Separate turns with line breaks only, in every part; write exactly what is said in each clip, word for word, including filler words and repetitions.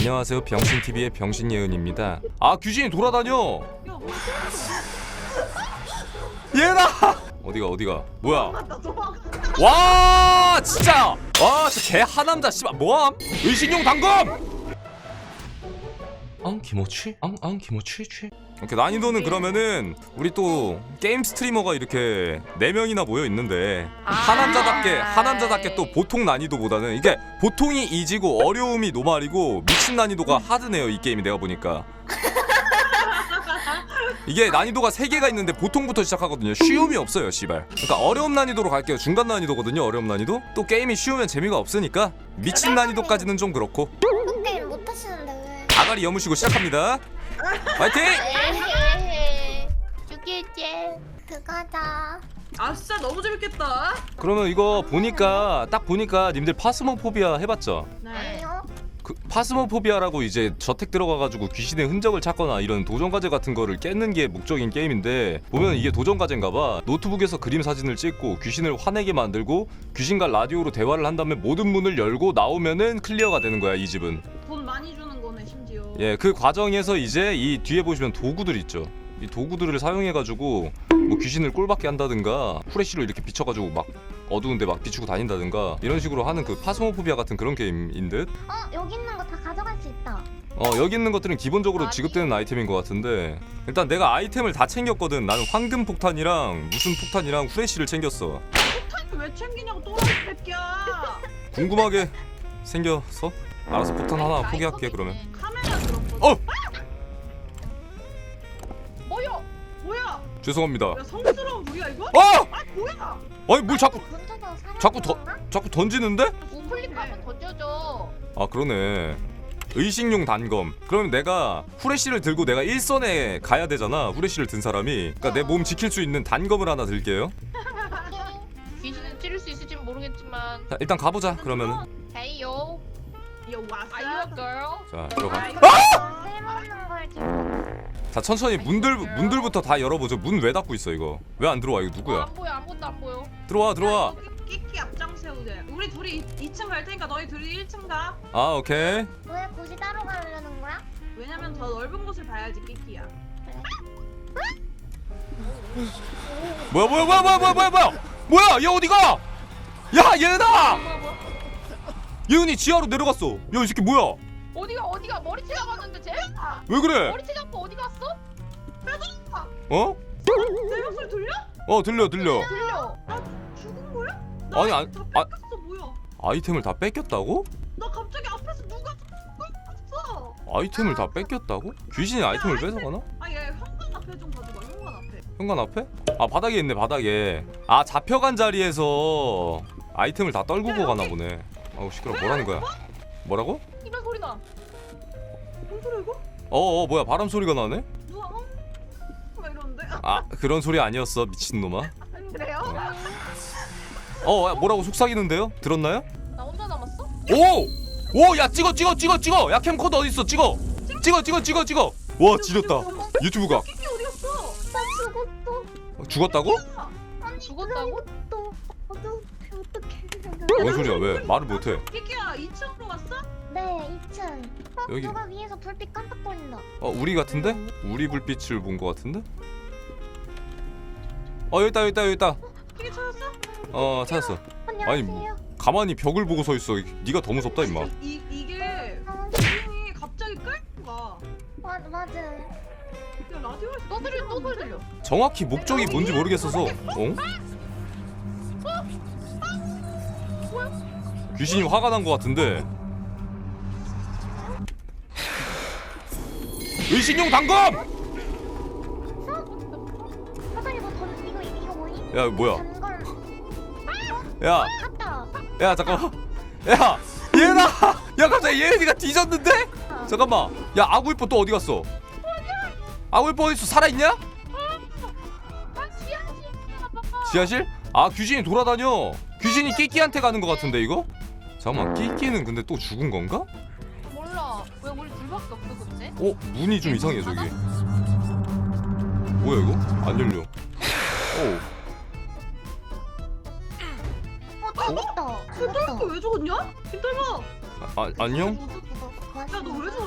안녕하세요, 병신티비의 병신예은입니다. 아, 귀신이 돌아다녀. 얘나 어디가 어디가 뭐야. 와 진짜 와 진짜 개 하남자 씨발 뭐함. 의식용 단검. 앙 기모치 앙앙 기모치 취. 오케이, 난이도는 그러면은 우리 또 게임 스트리머가 이렇게 네 명이나 모여 있는데 하남자답게 하남자답게 또 보통 난이도보다는 이게 보통이 이지고 어려움이 노말이고 미친 난이도가 하드네요 이 게임이. 내가 보니까 이게 난이도가 세 개가 있는데 보통부터 시작하거든요. 쉬움이 없어요 씨발. 그러니까 어려움 난이도로 갈게요. 중간 난이도거든요 어려움 난이도. 또 게임이 쉬우면 재미가 없으니까 미친 난이도까지는 좀 그렇고.
게임 못 하시는데 왜?
아가리 여무시고 시작합니다. 파이팅!
죽일게. 그거다.
아싸 너무 재밌겠다.
그러면 이거 보니까 딱 보니까 님들 파스모포비아 해봤죠?
네.
아니요.
그 파스모포비아라고 이제 저택 들어가가지고 귀신의 흔적을 찾거나 이런 도전과제 같은 거를 깨는 게 목적인 게임인데 보면 이게 도전과제인가봐. 노트북에서 그림 사진을 찍고 귀신을 화내게 만들고 귀신과 라디오로 대화를 한 다음에 모든 문을 열고 나오면은 클리어가 되는 거야 이 집은.
돈 많이 주는 거네 심지어.
예, 그 과정에서 이제 이 뒤에 보시면 도구들 있죠. 이 도구들을 사용해가지고 뭐 귀신을 꼴받게 한다든가 후레쉬로 이렇게 비춰가지고 막 어두운데 막 비추고 다닌다든가 이런 식으로 하는 그 파스모포비아 같은 그런 게임인 듯.
어 여기 있는 거 다 가져갈 수 있다.
어 여기 있는 것들은 기본적으로
아니.
지급되는 아이템인 것 같은데 일단 내가 아이템을 다 챙겼거든. 나는 황금 폭탄이랑 무슨 폭탄이랑 후레쉬를 챙겼어.
폭탄을 왜 챙기냐고 또라이 새끼야.
궁금하게 생겨서 알아서 폭탄 하나 포기할게 그러면.
카메라 들었거든.
어!
뭐야? 뭐야?
죄송합니다.
야 성스러운 우리야 이거?
어!
아 뭐야?
아니 뭘 자꾸
근처에서 사람
자꾸 더
들어오나?
자꾸 던지는데?
우클릭하면
던져줘.
아 그러네. 의식용 단검. 그러면 내가 후레쉬를 들고 내가 일선에 가야 되잖아. 후레쉬를 든 사람이. 그러니까 내 몸 지킬 수 있는 단검을 하나 들게요.
귀신은 찌를 수 있을지는 모르겠지만.
자 일단 가보자 그러면은.
헤이요.
야 왔어.
Are you a girl?
자 들어가.
쓸모없는 걸 들고.
자 천천히 문들 문들부터 다 열어보죠. 문 왜 닫고 있어 이거? 왜 안 들어와 이거
어,
누구야?
안 보여 아무것도 안 보여.
들어와 들어와.
끼끼 앞장 세우자. 우리 둘이 이 층 갈 테니까 너희 둘이 일 층 가.
아 오케이.
왜 곳이 따로 가려는 거야?
왜냐면 더 넓은 곳을 봐야지 끼끼야.
뭐야 뭐야 뭐야 뭐야 뭐야 뭐야 뭐야 뭐야 얘 어디가? 야 얘다.
뭐야 뭐야?
예은이 지하로 내려갔어. 야 이 새끼 뭐야?
어디가 어디가 머리채 잡았는데 쟤?
왜 그래?
머리채 잡고 어디 갔어?
어?
내 목소리 들려?
어 들려 들려.
들려.
나 죽은 거야? 나
아니, 아니,
다
아-
뺏겼어 뭐야?
아이템을 다 뺏겼다고?
나 갑자기 앞에서 누가 뺏겼어?
아이템을 다 뺏겼다고? 귀신이 아이템을 뺏어가나?
아얘 현관 앞에 좀 가져가 현관 앞에.
현관 앞에? 아 바닥에 있네 바닥에. 아 잡혀간 자리에서 아이템을 다 떨구고 가나 보네. 아우 시끄러. 뭐라는 거야? 뭐라고?
이런 소리 나.
뭔 소리야 이거?
어어 뭐야 바람 소리가 나네?
누가 어? 막 이러는데?
아 그런 소리 아니었어 미친놈아.
그래요?
어 야, 뭐라고 속삭이는데요? 들었나요?
나 혼자 남았어?
오! 오! 야 찍어 찍어 찍어 찍어! 야 캠코더 어딨어 찍어! 찍어 찍어 찍어 찍어! 와 지렸다. 유튜브 각.
끼끼 어디 갔어?
나 죽었어.
죽었다고?
아니
죽었다고?
또 어떻게 어떻게?
뭔 소리야 왜 말을 못해?
끼끼야 이 층으로 갔어?
네 이 층. 어
여기.
누가 위에서 불빛 깜빡거린다.
어 우리 같은데? 우리 불빛을 본 거 같은데? 어 여기 있다 여기 있다 여기 있다.
끼끼 찾았어?
어 찾았어.
안녕하세요.
가만히 벽을 보고 서 있어. 네가 더 무섭다 임마.
이 이게
어,
기능이 갑자기 끌고 가.
맞 맞아.
야 라디오에서
또 들려 또 소리 들려.
정확히 목적이 뭔지 모르겠어서. 어? 귀신이 화가 난 거 같은데. 의신용 단검!
사장님 이거 던 이거 이거 뭐니?
야 뭐야?
단걸
야,
갔다.
야 잠깐만. 야, 얘나. 야 갑자기 예은이가 뒤졌는데? 잠깐만. 야 아구이뽀 또 어디 갔어? 아구이뽀 어디 있어? 살아 있냐?
난 지하실.
지하실? 아 귀신이 돌아다녀. 귀신이 끼끼한테 가는 거 같은데 이거? 잠깐만 끼끼는 근데 또 죽은 건가?
몰라. 왜 우리 둘밖에 없어 근데?
어 문이 좀 이상해 저기. 뭐야 이거? 안 열려. 오.
어 죽었다.
그 왜 죽었냐? 김떨마.
아 안녕?
야
야 너 왜 죽었어?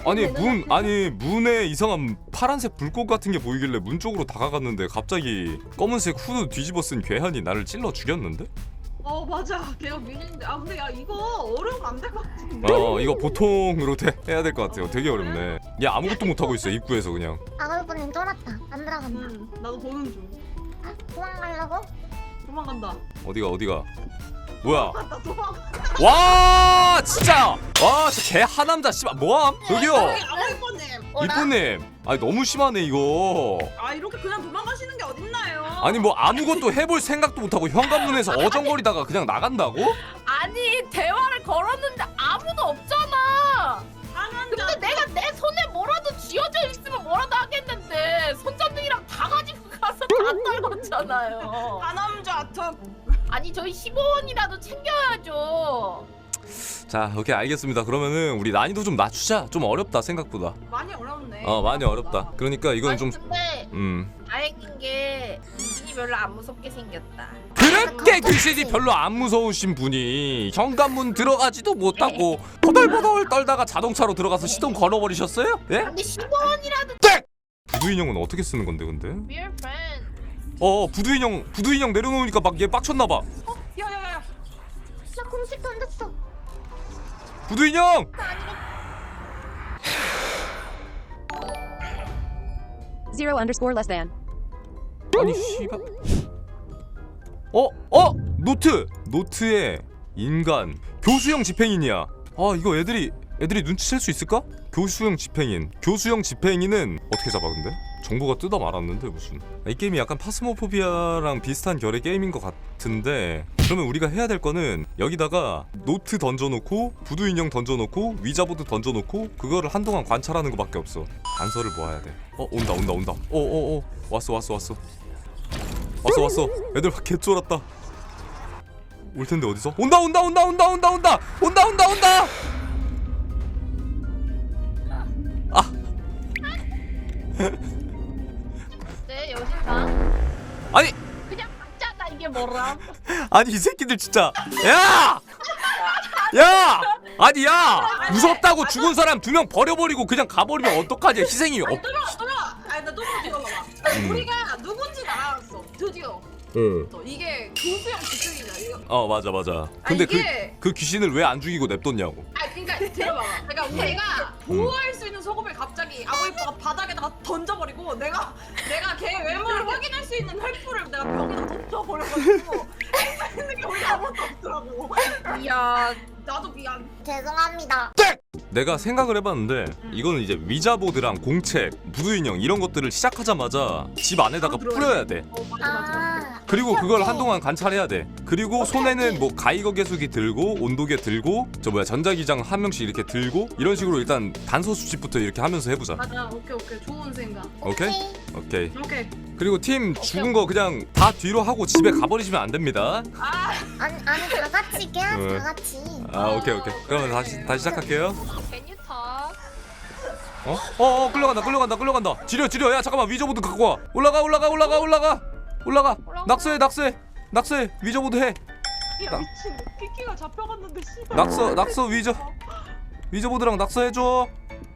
아니 문 아니 문에 이상한 파란색 불꽃 같은 게 보이길래 문 쪽으로 다가갔는데 갑자기 검은색 후드 뒤집어 쓴 괴한이 나를 찔러 죽였는데?
어 맞아. 걔가 미신인데. 아 근데 야 이거 어려우면 안 될 것 같은데.
어 이거 보통으로 돼, 해야 될 것 같아요. 되게 어렵네. 얘 아무것도 못 하고 있어 입구에서 그냥.
아가루님 쫄았다. 안 들어간다.
응. 나도 보는 중.
아, 도망가려고?
도망간다.
어디가 어디가? 뭐야?
나 도망.
와 진짜 와 진짜 개 하남자 씨발 뭐함? 저기요
아버님.
이쁜님 아니 너무 심하네 이거.
아 이렇게 그냥 도망가시는 게 어딨나요?
아니 뭐 아무것도 해볼 생각도 못하고 현관문에서 어정거리다가 그냥 나간다고?
아니 대화를 걸었는데 아무도 없잖아.
상한자.
근데 내가 내 손에 뭐라도 쥐어져 있으면 뭐라도 하겠는데 손전등이랑 다 가지고 가서 다 떨궜잖아요.
하남자 턱.
아니 저희 십오 원이라도 챙겨야죠.
자 오케이 알겠습니다. 그러면은 우리 난이도 좀 낮추자. 좀 어렵다 생각보다.
많이 어렵네.
어 많이 어렵다. 그러니까 이건
아니
좀
근데
음.
다행인 게 귀신이 별로 안 무섭게 생겼다.
그렇게 귀신이 별로 안 무서우신 분이 현관문 들어가지도 못하고 버덜버덜 떨다가 자동차로 들어가서 시동 걸어버리셨어요? 예?
근데 십오 원이라도
부두 인형은 어떻게 쓰는 건데 근데?
We're friends.
어 부두 인형 부두 인형 내려놓으니까 막 얘 빡쳤나봐.
야야야야.
나 공식 던졌어.
부두 인형!
Zero underscore less than.
아니 씨발. 어? 어? 노트! 노트에 인간 교수형 집행인이야. 아 이거 애들이 애들이 눈치챌 수 있을까? 교수형 집행인 교수형 집행인은 어떻게 잡아 근데? 정보가 뜯어 말았는데 무슨. 이 게임이 약간 파스모포비아랑 비슷한 결의 게임인 것 같은데 그러면 우리가 해야 될 거는 여기다가 노트 던져놓고 부두 인형 던져놓고 위자보드 던져놓고 그거를 한동안 관찰하는 것밖에 없어. 단서를 모아야 돼. 어 온다 온다 온다. 어어어 왔어 왔어 왔어 왔어 왔어. 애들 개쫄았다. 올 텐데 어디서? 온다 온다 온다 온다 온다 온다 온다 온다 온다. 아.
네 여신다.
아니
그냥 박자다 이게 뭐라?
아니 이 새끼들 진짜. 야! 야! 아니 야! 무섭다고 죽은 사람 두 명 버려버리고 그냥 가버리면 어떡하냐. 희생이 없.
아니 또봐 또봐. 아니 나 또봐 이거
음.
봐봐. 우리가 누군지 알았어. 드디어.
응.
또 이게 교수형 집중이냐 이거.
어 맞아 맞아. 근데
이게-
그 그 귀신을 왜 안 죽이고 냅뒀냐고.
아 그러니까 들어봐봐. 그러니까 우리가 보호할 수 있는 소금을 갑자기 아고이퍼가 바닥에다가 던져버리고 내가 내가 걔 외모를 확인할 수 있는 횃불을 내가 벽에다 던져버려가지고 있는 게 우리 아무것도 없더라고.
이야
나도 미안.
죄송합니다.
내가 생각을 해봤는데 이거는 이제 위자보드랑 공책, 부두 인형 이런 것들을 시작하자마자 집 안에다가
아, 들어야
뿌려야 돼.
어 맞아 맞아.
아.
그리고
오케이,
그걸
오케이.
한동안 관찰해야 돼. 그리고 손에는 뭐 가이거 계수기 들고 온도계 들고 저 뭐야 전자기장 한 명씩 이렇게 들고 이런 식으로 일단 단서 수집부터 이렇게 하면서 해보자.
맞아 오케이 오케이 좋은 생각.
오케이? 오케이.
오케이.
그리고 팀 죽은 거 그냥 다 뒤로 하고 집에 가버리시면 안 됩니다.
아
아니 아니 다 같이 깨야
응.
다 같이.
아 오케이 오케이. 그러면 다시 다시 시작할게요.
Can you talk?
어? 어, 어 끌려간다 끌려간다 끌려간다. 지려 지려. 야 잠깐만 위저보드 갖고 와. 올라가 올라가 올라가 올라가 올라가. 낙서해 낙서해 낙서해. 위저보드 해.
야
나-
미친. 키키가 잡혀갔는데 씨발.
낙서 낙서 위저 위저보드랑 낙서해줘.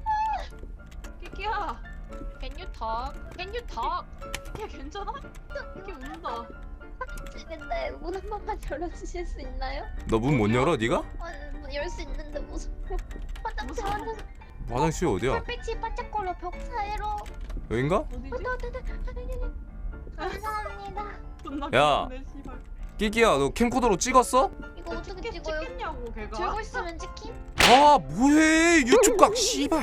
키키야.
Can you talk? Can you talk?
키키야 괜찮아? 키키 운다.
근데 문 한 번만 열어주실 수 있나요?
너 문 못 열어 네가?
아니 열 수 있는데 무서워. 화장실
무서워.
화장실.
화장실 어디야?
불빛이 반짝거려 벽 사이로.
여긴가?
어디지?
어디 어디 어디. 감사합니다.
존나
야.
귀엽네, 씨발.
끼끼야 너 캠코더로 찍었어?
이거 어떻게
찍-
찍어요?
찍겠냐고 걔가.
들고 있으면 찍힌?
아 뭐해 유튜브 각 씨발.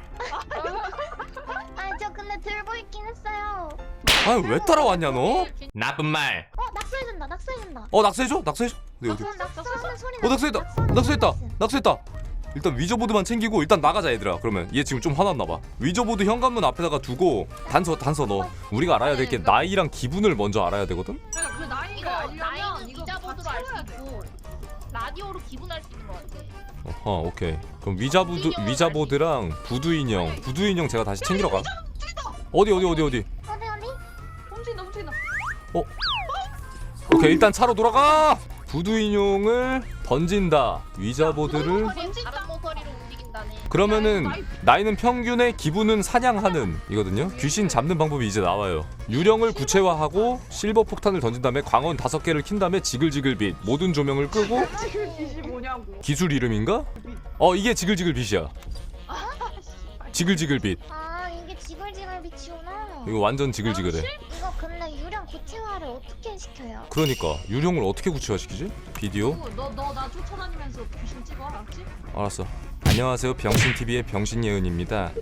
아 저 근데 들고 있긴 했어요.
아 왜 따라왔냐 너?
Can-
나쁜 말.
어 낙서해준다 낙서해준다.
어 낙서해줘? 낙서해줘? 네 어디?
낙서 낙서하는 소리.
어 낙서했다 낙서했다 낙서했다. 일단 위저보드만 챙기고 일단 나가자 얘들아. 그러면 얘 지금 좀 화났나봐. 위저보드 현관문 앞에다가 두고 단서 단서 넣어. 우리가 알아야 될 게 나이랑 기분을 먼저 알아야 되거든?
그러니까 그
이거
나이를 알려면
나이는
이거
위자보드로
다
알 수
채워야 돼.
있고 라디오로 기분할 수 있는 것 같아.
어허 오케이. 그럼 위자보드 위자보드랑 부두 인형 부두 인형 제가 다시 챙기러 가. 어디 어디 어디 어디?
어디 어디?
훔친다 훔친다.
오케이 일단 차로 돌아가. 부두 인형을 던진다. 위자보드를
모서리, 다른 모서리로 움직인다네.
그러면은 나이는 평균에 기분은 사냥하는 이거든요. 귀신 잡는 방법이 이제 나와요. 유령을 구체화하고 실버 폭탄을 던진 다음에 광원 다섯 개를 킨 다음에 지글지글 빛 모든 조명을 끄고
지금 빛이 뭐냐고.
기술 이름인가? 어 이게 지글지글 빛이야. 지글지글 빛.
아 이게 지글지글 빛이구나.
이거 완전 지글지글해.
이거 근데 유령 구체화를 어떻게 시켜요?
그러니까 유령을 어떻게 구체화시키지? 비디오?
너너 나 쫓아다니면서 귀신 찍어 알았지?
알았어. 안녕하세요 병신티비의 병신예은입니다.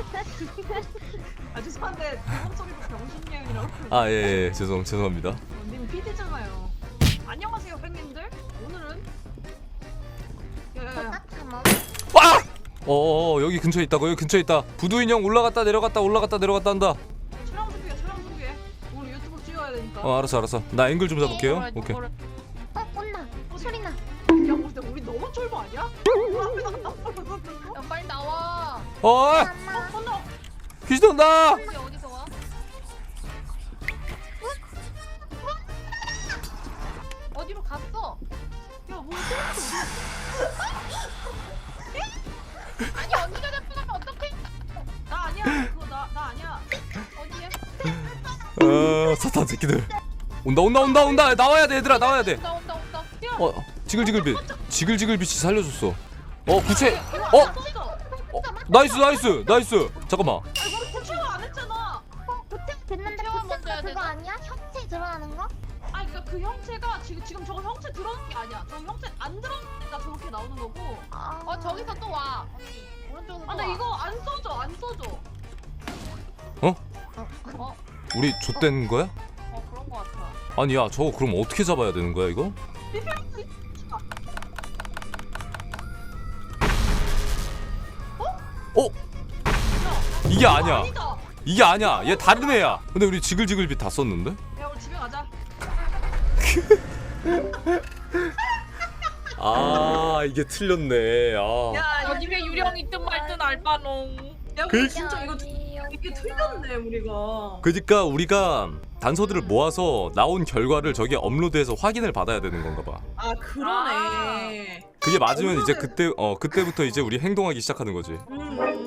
아 죄송한데 이번 소리도 병신예이라고.
아 예예 예, 죄송 죄송합니다.
어, 님 피디잖아요. 안녕하세요 팬님들. 오늘은 야야야.
딱하면
와! 어어 여기 근처에 있다고. 여기 근처에 있다. 부두 인형 올라갔다 내려갔다 올라갔다 내려갔다 한다.
촬영 준비해 촬영 준비해. 오늘 유튜브 찍어야 되니까.
어 알았어 알았어. 나 앵글 좀 잡을게요.
이거를,
오케이.
이거를.
어 온다. 소리 나.
야 근데 우리 너무 쫄보 아니야? 우리 앞에서 안 나왔어.
야 빨리 나와.
어
엄마.
건너.
귀신 온다.
어디 어디서 와? 어디로 갔어?
야 뭐?
아니 언니가 잡혀가면 어떡해?
나 아니야. 그거 나 나 아니야.
어디에?
어 사탄 새끼들. 온다 온다 온다 온다. 나와야 돼 얘들아 나와야 돼.
온다 온다 온다.
어 지글지글 빛. 지글지글 빛이 살려줬어. 어 구체.
어?
어 나이스 나이스 나이스. 잠깐만.
아니 우리 구체화 안 했잖아.
구체 됐는데
구체화 먼저
구체가
해야
그거
되나?
아니야? 형체 들어가는 거?
아니 그러니까 그 형체가 지금 지금 저거 형체 들어오는 게 아니야. 저 형체 안 들어오니까 저렇게 나오는 거고.
아.
어 저기서 또 와. 언니 오른쪽으로.
아 나 이거 안 써줘 안 써줘.
어?
우리 좆된 거야?
어 그런 거 같아.
아니 야 저거 그럼 어떻게 잡아야 되는 거야 이거? 어? 이게 아니야.
아니다.
이게 아니야. 얘 다른 애야. 근데 우리 지글지글 빛 다 썼는데?
야 우리 집에 가자.
아 이게 틀렸네. 아.
야
어디에 유령 있든 말든 알바농.
야
그-
우리 진짜 이거 이게 틀렸네 우리가.
그러니까 우리가 단서들을 모아서 나온 결과를 저기에 업로드해서 확인을 받아야 되는 건가 봐.
아 그러네.
그게 맞으면 이제 그때 어 그때부터 이제 우리 행동하기 시작하는 거지.
음.